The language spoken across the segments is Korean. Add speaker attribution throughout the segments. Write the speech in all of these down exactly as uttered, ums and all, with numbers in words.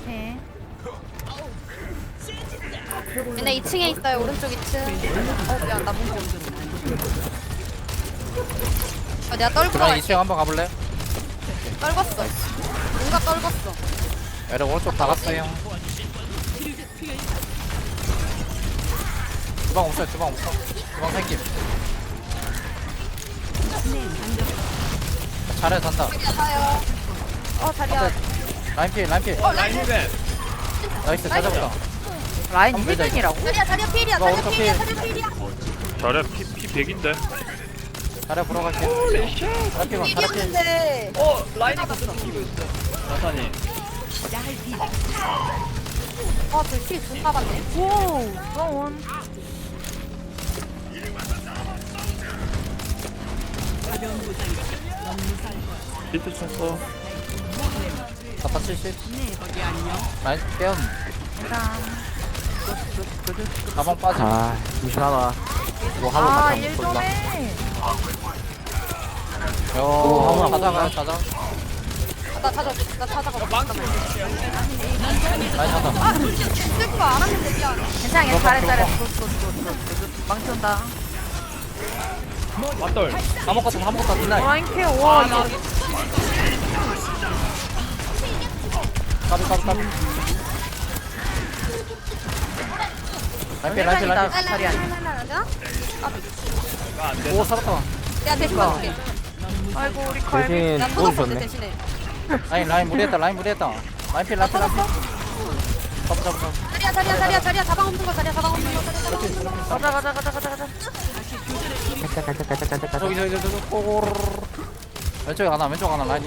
Speaker 1: 오케이.
Speaker 2: 얘네 이 층에 있어요. 오른쪽 이 층. 어 미안 나 문고. 아 내가 떨고
Speaker 3: 그럼
Speaker 2: 가.
Speaker 3: 이 층 한번 가볼래?
Speaker 2: 떨궜어. 뭔가 떨궜어.
Speaker 3: 애들 오른쪽 다 갔어요. 주방 없어요, 주방 없어. 주방 생김. 잘해, 잔다.
Speaker 2: 자요. 어 자리야.
Speaker 3: 라인 필, 라인 필.
Speaker 2: 어 라인.
Speaker 4: 힐벤.
Speaker 3: 나이스, 잘 잡았다.
Speaker 1: 라인
Speaker 3: 한번 밀자,
Speaker 1: 힐벤이라고?
Speaker 2: 자리야 자리야 필이야.
Speaker 3: 이거
Speaker 2: 자리야
Speaker 3: 어차피-
Speaker 2: 필이야. 자리야 필이야.
Speaker 4: 자리야 피, 피 백인데.
Speaker 3: 잘해, 보러 갈게. 잘해, 필, 잘해, 필.
Speaker 2: 필이었는데.
Speaker 4: 어 라인이 같이 이기고 있어. 나타니.
Speaker 2: 아저필 존나 받네.
Speaker 1: 오, 너온.
Speaker 4: 비트 쳤어.
Speaker 3: 나다 칠십. 라인 깨운.
Speaker 1: 일단.
Speaker 3: 가방 빠짐.
Speaker 5: 아, 무시하다.
Speaker 3: 뭐 하고
Speaker 1: 아,
Speaker 3: 가자.
Speaker 1: 일 좀 해.
Speaker 3: 요, 가자가, 가자.
Speaker 2: 나 찾아. 나 찾아가. 잠깐만.
Speaker 3: 라인 가자.
Speaker 2: 아 쓸 거 안 하면 되냐.
Speaker 1: 괜찮아,
Speaker 3: 들어가,
Speaker 1: 잘해, 잘해.
Speaker 3: 들어가.
Speaker 1: 굿, 굿, 굿, 굿, 굿. 망치 온다.
Speaker 4: 맞돌.
Speaker 3: 아무것도, 아무것도 딜라이.
Speaker 1: 라인 케어, 와, 이거.
Speaker 3: 까비, 까비, 까비. 라인 필, 라인 필, 라인 필.
Speaker 1: 자리 아니야.
Speaker 2: 라라라라라.
Speaker 4: 아안 돼.
Speaker 3: 오, 살았다.
Speaker 2: 내가 대신 봐줄게.
Speaker 1: 아이고, 우리 칼비.
Speaker 5: 대신
Speaker 2: 나 터졌어
Speaker 5: 보여주셨네.
Speaker 2: 대신에.
Speaker 3: 라인, 라인 무리했다, 라인 무리했다. 라인 필, 라인 필, 라인 필. 잡아, 잡아, 잡아.
Speaker 2: 자리야 자리야 자리야 자리야 자방 없는 거 자리야 자방 없는 거 자리야 자방 없는 거.
Speaker 1: 가자, 가자, 가자, 가자, 가자.
Speaker 5: 가자, 가자, 가자, 가자, 가자.
Speaker 3: 저기, 저기, 저기, 저기. 꼬르르르. 왼쪽에 하나, 왼쪽 하나, 라인이.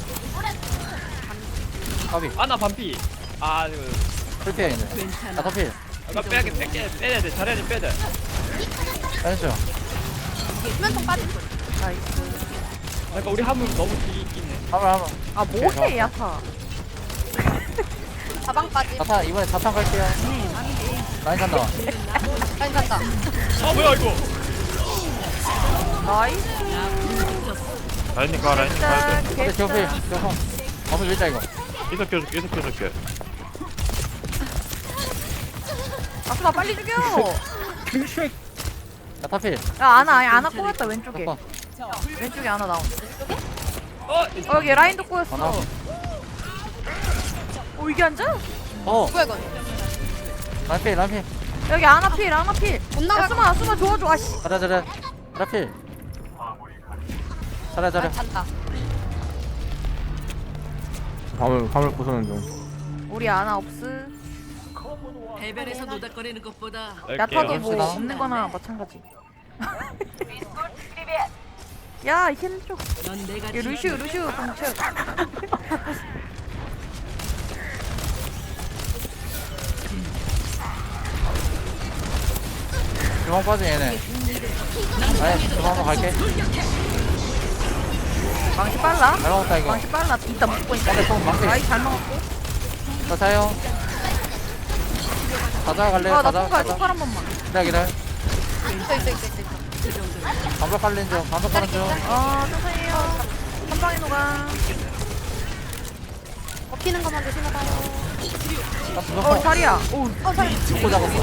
Speaker 3: 까비.
Speaker 4: 아나 반피. 아 이거.
Speaker 3: 풀피해, 있네. 나 더필.
Speaker 4: 아까 빼야 돼. 빼야 빼야 돼. 자리야 좀 빼야 돼.
Speaker 3: 왼쪽.
Speaker 2: 수면통 빠지.
Speaker 1: 나이스.
Speaker 4: 그러니까 우리 한분 너무 뒤있긴 해.
Speaker 3: 한번, 한번.
Speaker 1: 아, 뭐해, 야타.
Speaker 2: 자방 빠지.
Speaker 3: 자탄, 이번에 자탄 갈게요. 라인 간다.
Speaker 2: 라인 간다.
Speaker 4: 아 뭐야 이거.
Speaker 1: 나이스.
Speaker 4: 라인이 가 라인이 가야 돼.
Speaker 1: 짠,
Speaker 3: 근데 저필, 저성. 어서 밀자, 이거.
Speaker 4: 계속 켜줄게 계속 켜줄게.
Speaker 1: 아수마 빨리 죽여.
Speaker 3: 야, 타필.
Speaker 1: 야, 아나, 아니, 아나 꼬였다, 왼쪽에.
Speaker 3: 잠깐.
Speaker 1: 왼쪽에 아나 나온.
Speaker 4: 어.
Speaker 1: 어, 여기 라인도 꼬였어.
Speaker 3: 하나.
Speaker 1: 어, 이게 앉아?
Speaker 3: 어,
Speaker 2: 누구야 이건?
Speaker 3: 라인 필, 라인 필.
Speaker 1: 여기 아나 필, 아나 필.
Speaker 2: 못 나갈
Speaker 1: 아수마, 아수마 도와줘. 아씨.
Speaker 3: 잘해, 잘해. 라인 필. 잘해, 잘해.
Speaker 2: 아, 잔다.
Speaker 5: 화물, 화물 부수는 중.
Speaker 1: 우리 아나 없스.
Speaker 6: 해변에서 노닥거리는 것보다
Speaker 1: 야타도 뭐
Speaker 3: 갑시다.
Speaker 1: 없는 거나 마찬가지. 야, 힐 쪽.
Speaker 6: 넌 내가
Speaker 1: 야, 루슈, 루슈 동체.
Speaker 3: 주방 빠진 얘네. 라인, 주방 한번 갈게.
Speaker 1: 망치 빨라?
Speaker 3: 잘 먹었다, 이거.
Speaker 1: 망치 빨라. 이따 먹고 있다.
Speaker 3: 근데 좀 망치.
Speaker 1: 아이, 잘 먹었고.
Speaker 3: 자, 자요. 가자, 갈래?
Speaker 1: 아, 나
Speaker 3: 가자,
Speaker 1: 통과해.
Speaker 3: 가자.
Speaker 1: 통과 한 번만.
Speaker 3: 기다려, 기다려.
Speaker 2: 있어 있어 있어 있어.
Speaker 3: 반박 갈린 중, 반박 가는 중.
Speaker 1: 어, 선생님. 한 방에 녹아.
Speaker 2: 먹히는 것만 조심해봐요.
Speaker 3: 나
Speaker 1: 어,
Speaker 3: 두번
Speaker 1: 자리야. 오,
Speaker 2: 어 자리.
Speaker 3: 죽고 잡았어.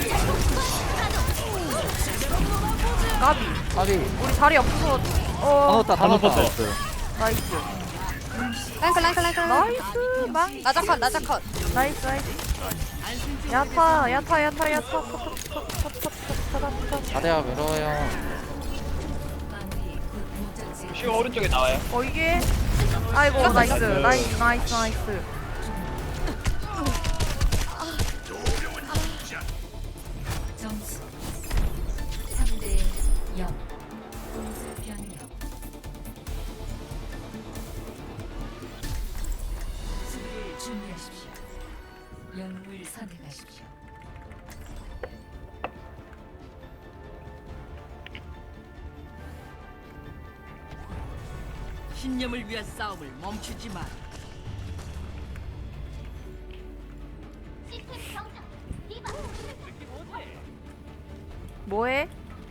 Speaker 1: 까비.
Speaker 3: 아비.
Speaker 1: 우리 자리 없어서.
Speaker 3: 다
Speaker 1: 어,
Speaker 3: 넣었다, 다
Speaker 4: 다
Speaker 3: 넣었다.
Speaker 4: 넣었어.
Speaker 1: 나이스.
Speaker 2: 라인 컷 라인 컷 라인 컷.
Speaker 1: 나이스. 망.
Speaker 2: 나자 컷 나자 컷.
Speaker 1: 나이스, 나이스. 야타, 야타, 야타, 야타. 톡, 톡, 톡, 톡, 톡, 톡, 톡, 톡.
Speaker 3: 자대야, 외로워요.
Speaker 4: 시가 오른쪽에 나와요.
Speaker 1: 어, 이게. 아이고, 나이스. 나이스, 나이스, 나이스.
Speaker 7: 점수 삼 대 영. 공수 변경. 수비를 준비하십시오. 영웅을 선택하십시오.
Speaker 6: 신념을 위한 싸움을 멈추지 마.
Speaker 1: 뭐해?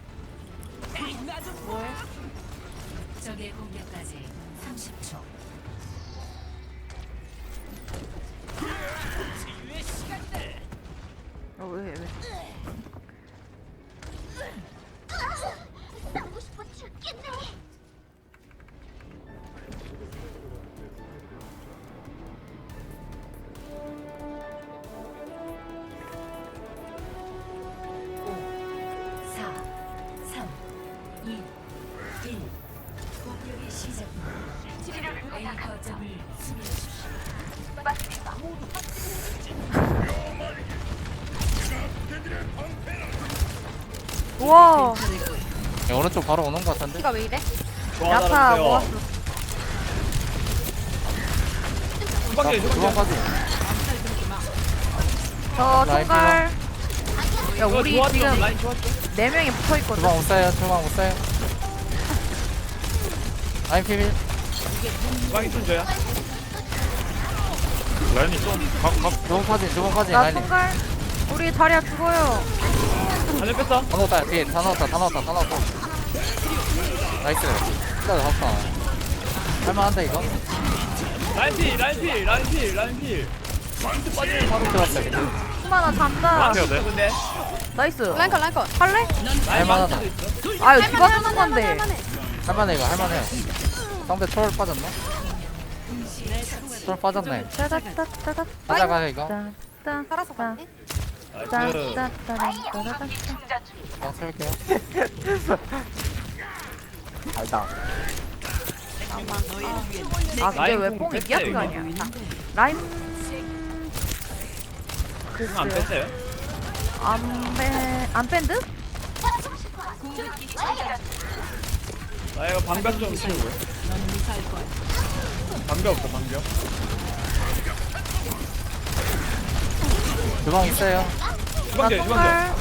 Speaker 7: 적의 공격까지 삼십 초.
Speaker 1: 우와.
Speaker 3: 야, 오른쪽 바로 오는 거 같은데?
Speaker 2: 피가 왜 이래?
Speaker 1: 야타 모았어.
Speaker 4: 주방에 주방에
Speaker 3: 주방까지.
Speaker 1: 저
Speaker 3: 라인
Speaker 1: 총갈. 야 우리
Speaker 4: 좋았죠
Speaker 1: 지금
Speaker 4: 라인 좋았죠
Speaker 1: 네 명이 붙어 있거든.
Speaker 3: 주방 못 쏴요, 주방 못 쏴요. 라인 피밀.
Speaker 4: 주방이 좀 줘야 라인이 좀각각
Speaker 3: 주방까지, 주방까지.
Speaker 1: 나
Speaker 3: 라인.
Speaker 1: 총갈. 우리 자리야 죽어요.
Speaker 4: 하늘 뺐어
Speaker 3: 다 넣었다, 뒤에 다 넣었다, 다 넣었다, 다 넣었다. 나이스. 진짜 잡았다. 할만한데, 이거?
Speaker 4: 라인 필 라인 필 라인 필 라인 필 망치 빠지면 바로
Speaker 3: 들어왔다, 이제.
Speaker 1: 수마나 잔다.
Speaker 4: 앞에야 돼 근데
Speaker 1: 나이스.
Speaker 2: 라인 컷 라인 컷.
Speaker 1: 할래?
Speaker 4: 라인
Speaker 3: 할만하다.
Speaker 4: 망치도 있어
Speaker 1: 아유
Speaker 2: 할만해
Speaker 1: 누가
Speaker 2: 할만해
Speaker 1: 쓰는
Speaker 2: 할만해
Speaker 1: 건데.
Speaker 2: 할만해.
Speaker 3: 할만해, 이거, 할만해. 상대 초월 빠졌나? 초월 빠졌네.
Speaker 1: 따다따다따다.
Speaker 3: 가자가, 이거.
Speaker 1: 따.
Speaker 2: 살아서 갔네.
Speaker 4: 나이스
Speaker 1: 따다따다따다따.
Speaker 3: 그냥 채울게요.
Speaker 5: 알다.
Speaker 1: 아 근데
Speaker 4: 라인
Speaker 1: 왜
Speaker 4: 공
Speaker 1: 뽕이
Speaker 4: 뺐어요,
Speaker 1: 니아트가
Speaker 4: 이거.
Speaker 1: 아니야? 라인
Speaker 4: 안
Speaker 1: 글쎄요.
Speaker 4: 뺐어요?
Speaker 1: 안뺀안 밴드?
Speaker 4: 나 이거 방벽 좀 치우고요 방벽 없어 방벽
Speaker 3: 주방 있어요.
Speaker 1: 나
Speaker 4: 주방대 주방대
Speaker 1: 총갈.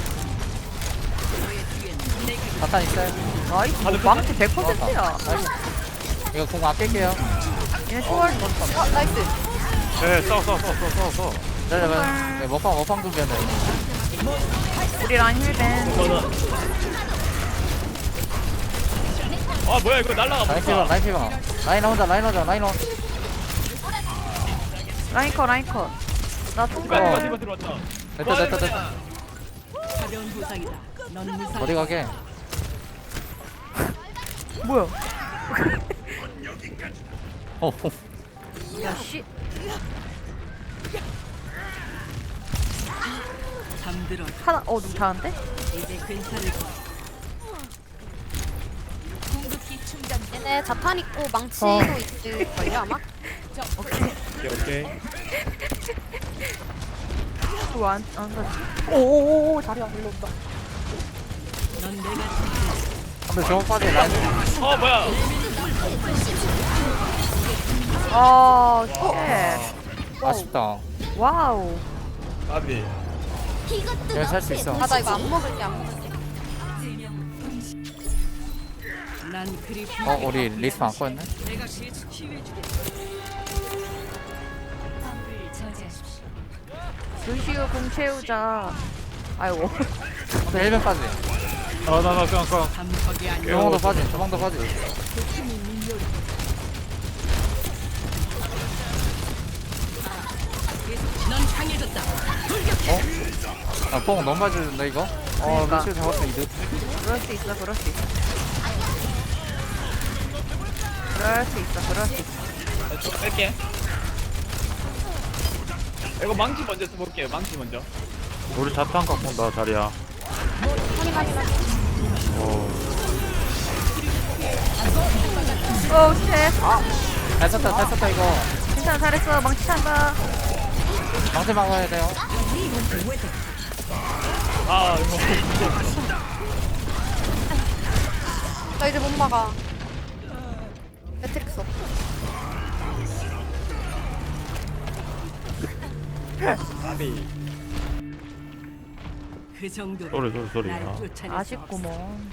Speaker 3: 자탄 있어요.
Speaker 1: 나이스.
Speaker 4: 다들
Speaker 1: 망치 백 퍼센트야.
Speaker 3: 나이스. 이거 공 아낄게요.
Speaker 1: 얘네 초월.
Speaker 2: 어 나이스.
Speaker 4: 네 싸워 싸워 싸워 싸워 싸워 싸워
Speaker 3: 기다려봐. 네, 먹방, 먹방 준비한다, 이거.
Speaker 1: 우리 라인 힐밴.
Speaker 4: 이거는 아 뭐야 이거 날라가
Speaker 3: 라인 피방,
Speaker 4: 버렸다
Speaker 3: 라인 피방. 라인 혼자, 라인 혼자, 라인 혼자.
Speaker 1: 라인 컷 라인 컷. 나
Speaker 4: 디바
Speaker 1: 총갈.
Speaker 4: 디바 디바 들어왔다
Speaker 3: 됐다, 됐다, 됐다.
Speaker 6: 가벼운 부상이다. 넌 무사할
Speaker 3: 어디 가게?
Speaker 1: 뭐야?
Speaker 3: 어,
Speaker 1: 야 씨.
Speaker 6: 잠들어.
Speaker 1: 하나 어 누구 다는데?
Speaker 6: 이제 괜찮을 거야.
Speaker 2: 얘네 자탄 있고 망치도
Speaker 1: 어.
Speaker 2: 있을걸요 아마?
Speaker 1: 오케이.
Speaker 4: 오케이 오케이
Speaker 1: 또안안 가지. 오오오 자리야 일로 온다.
Speaker 6: 넌 내가
Speaker 3: 근데 주방 빠지, 라인.
Speaker 4: 어 뭐야
Speaker 1: 아 쉣.
Speaker 3: 아쉽다.
Speaker 1: 와우.
Speaker 4: 까비
Speaker 3: 그냥 살 수 있어.
Speaker 2: 아 나 이거 안 먹을게 안 먹을게.
Speaker 6: 난 그리
Speaker 3: 어, 우리 리스트 안 꺼였네?
Speaker 6: 내가 계속 키워주게.
Speaker 7: 화물을 저지하십시오.
Speaker 1: 루시우 공 채우자. 아이고.
Speaker 3: 근데 일 변까지.
Speaker 4: 아나나 그냥 그냥
Speaker 6: 감석이 아니야.
Speaker 3: 주방도 빠지, 주방도 빠지.
Speaker 6: 넌 강해졌다.
Speaker 3: 아, 뽕 너무 많이 주는데, 이거? 어,
Speaker 1: 그러니까.
Speaker 3: 루시오 잡았으면 이득.
Speaker 1: 그럴 수 있어 그럴 수 있어. 그럴 수 있어 그럴 수 있어.
Speaker 4: 좀 뺄게 이거 망치 먼저 써볼게요 망치 먼저 우리 자탄 갖고 온다 자리야
Speaker 2: 확인 확인 확인.
Speaker 1: 오 쉣.
Speaker 3: 잘 썼다, 잘 썼다, 이거.
Speaker 1: 괜찮아 잘했어 망치 찬다.
Speaker 3: 방패 막아야 돼요.
Speaker 4: 아 이거
Speaker 2: 나 이제 못 막아. 매트릭스 없어.
Speaker 4: 까비
Speaker 6: 그 정도로
Speaker 4: 소리 소리 소리
Speaker 6: 날
Speaker 4: 아.
Speaker 6: 쫓아냈어.
Speaker 1: 아쉽구먼.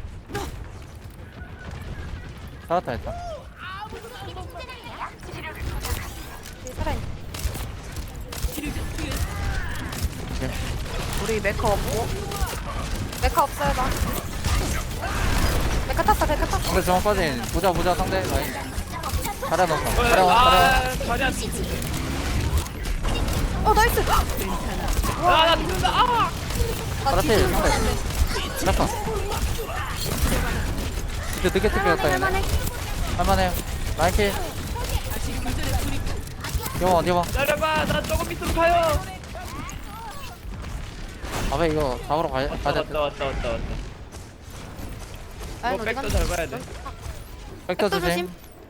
Speaker 3: 살았다, 일단.
Speaker 2: 뒤에 살아있네.
Speaker 1: 우리 메커 없고.
Speaker 2: 메카 없어요 나. 메카 탔어 메카 탔어.
Speaker 3: 근데 주방 빠진. 보자, 보자, 상대. 라인. 잘해 넣었어. 잘해, 잘해.
Speaker 4: 아 자리야
Speaker 2: 어 나이스.
Speaker 4: 아나 죽는다 아
Speaker 2: 나
Speaker 3: 파라필,
Speaker 2: 뒤지는 거
Speaker 3: 상대.
Speaker 2: 같은데.
Speaker 3: 잠깐. 이제 늦게 뜯겼다,
Speaker 2: 할만해
Speaker 3: 얘네.
Speaker 2: 할만해.
Speaker 3: 할만해요. 라인킬. 이거 어디 봐.
Speaker 4: 기다려봐 나 조금 밑으로 가요
Speaker 3: 아, 왜 이거 잡으러 가야,
Speaker 4: 왔다
Speaker 3: 가야
Speaker 4: 왔다
Speaker 3: 돼.
Speaker 4: 왔다 왔다 왔다
Speaker 2: 라인
Speaker 4: 이거
Speaker 2: 어디
Speaker 4: 백도
Speaker 2: 갔나?
Speaker 4: 잘 봐야 돼
Speaker 3: 백터
Speaker 2: 백도
Speaker 3: 조심.
Speaker 2: 조심.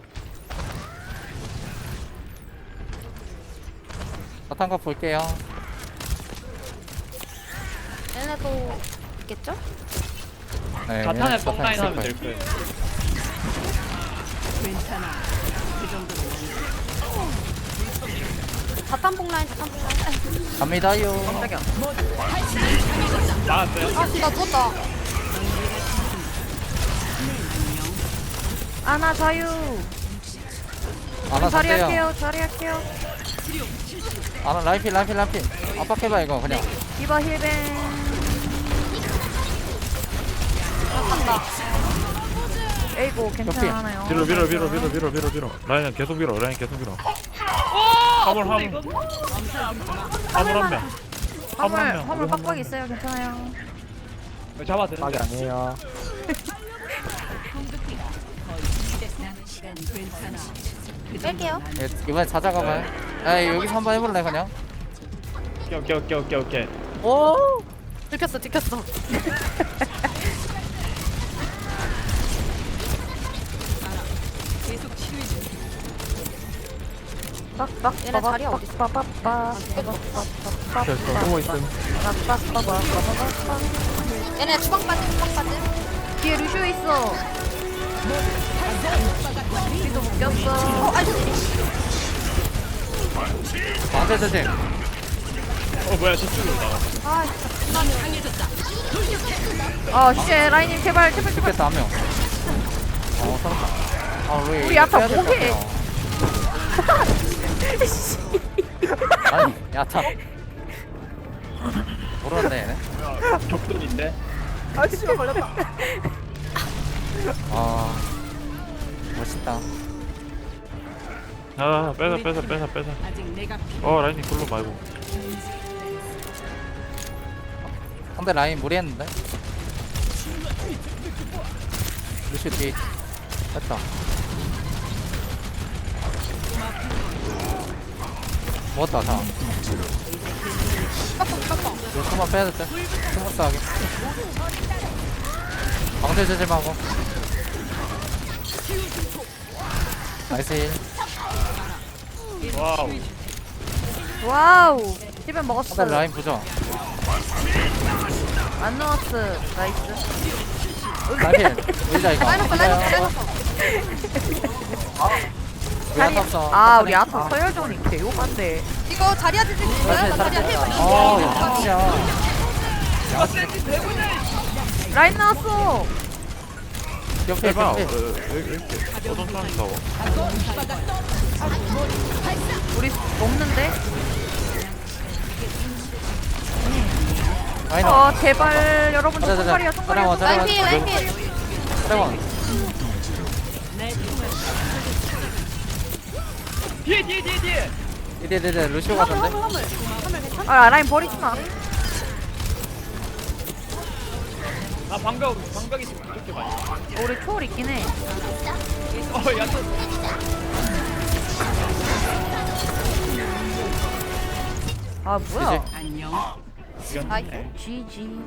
Speaker 3: 사탄가 볼게요.
Speaker 2: 얘네도 있겠죠?
Speaker 3: 네,
Speaker 4: 자탄에
Speaker 3: 얘네 자탄
Speaker 4: 뻥라인
Speaker 3: 있을
Speaker 4: 하면
Speaker 3: 거예요.
Speaker 4: 될 거예요.
Speaker 6: 괜찮아. 그 정도는
Speaker 2: 자탄봉 라인 자탄봉 라인.
Speaker 3: 갑니다요.
Speaker 1: 깜짝이야.
Speaker 4: 나왔어요.
Speaker 2: 아나 누웠다.
Speaker 1: 아나 자유.
Speaker 3: 아나
Speaker 1: 자리
Speaker 3: 상대요.
Speaker 1: 할게요. 자리 할게요.
Speaker 3: 아나 라이필 라이필 라이필. 압박해봐 이거 그냥.
Speaker 1: 디바 힐벤. 에이고 괜찮아요.
Speaker 8: 밀어 밀어 밀어 밀어 밀어 밀어 밀어 라인 계속 밀어 라인 계속 밀어 화물 화물 화물 한명
Speaker 1: 화물
Speaker 8: 한 명.
Speaker 1: 화물 빡빡 있어요. 괜찮아요.
Speaker 4: 잡아 되는
Speaker 5: 빡이 아니에요.
Speaker 7: 남은 시간
Speaker 6: 괜찮아.
Speaker 2: 뺄게요.
Speaker 3: 예, 이번에 찾아가봐요. 야 여기서 한번 해볼래 그냥.
Speaker 4: 오케이 오케이 오케이 오케이 오케이.
Speaker 3: 오.
Speaker 2: 들켰어 들켰어.
Speaker 6: 계속 치료해 줄게.
Speaker 1: 빡빡
Speaker 2: 얘네 자리야 어디 있어?
Speaker 1: 빡빡빡
Speaker 5: 저 숨어 있음.
Speaker 1: 빡빡빡.
Speaker 2: 얘네 주방 빠짐 주방 빠짐.
Speaker 1: 뒤에 루시오 있어. 우리도 묶였어.
Speaker 2: 어 아이고.
Speaker 3: 방패 조심.
Speaker 4: 어 뭐야 저쪽으로 나와.
Speaker 6: 넌 강해졌다.
Speaker 1: 아, 씨, 라인님 제발, 제발, 제발.
Speaker 3: 죽겠다 한 명. 어 살았다. 아 우리
Speaker 1: 우리
Speaker 3: 이거
Speaker 1: 야타
Speaker 3: 빼야 될것
Speaker 1: 뭐해?
Speaker 3: 같아요. 아니 야타. 모르는데 얘네.
Speaker 4: 격돌인데.
Speaker 1: 아, 진짜 걸렸다.
Speaker 3: 아 멋있다.
Speaker 8: 아 빼자 빼자 빼자 빼자
Speaker 6: 아직 내가 필요.
Speaker 8: 어 라인이 글로 말고
Speaker 3: 상대 라인 무리했는데. 루시 뒤. 됐다. 먹었다 다. 이거 숨만 빼야 됐대. 스무스 하게. 방대 조심하고. 나이스 힐.
Speaker 4: 와우.
Speaker 1: 와우. 힐벤 먹었어.
Speaker 3: 상대 라인 부죠.
Speaker 1: 안 넣었어. 나이스.
Speaker 3: 라인 밀자 이거.
Speaker 2: 라인 없어 라인 없어 라인 없어.
Speaker 3: 우리 안 탔어.
Speaker 1: 아, 우리 아타 서열전이 개요한데.
Speaker 2: 이거 자리야 뒤지 있어요? 나 자리야 힐
Speaker 3: 어 역시야.
Speaker 1: 라인 나왔어.
Speaker 3: 옆에
Speaker 8: 해봐
Speaker 3: 옆에.
Speaker 8: 왜 이렇게 어떤 사람이 싸워
Speaker 1: 우리 없는데?
Speaker 3: 라인
Speaker 1: 어, 제발, 여러분,
Speaker 3: 가자, 가자.
Speaker 1: 손가리야, 손가리야.
Speaker 3: 따라와,
Speaker 2: 라인 필 라인 필.
Speaker 3: 트레원.
Speaker 4: 뒤에 뒤에 뒤에 뒤에.
Speaker 3: 이제 이제 이제 루시오 같은데.
Speaker 1: 아, 라인 버리지 마.
Speaker 4: 나 방벽 방벽이 이렇게 많이.
Speaker 1: 우리 초월 있긴 해.
Speaker 4: 어 야타.
Speaker 1: 아, 뭐야.
Speaker 6: 안녕.
Speaker 4: 이겼네.
Speaker 1: 지지.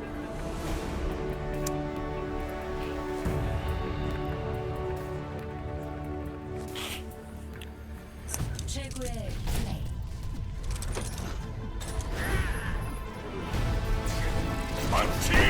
Speaker 7: 최고의 플레이.
Speaker 9: 만취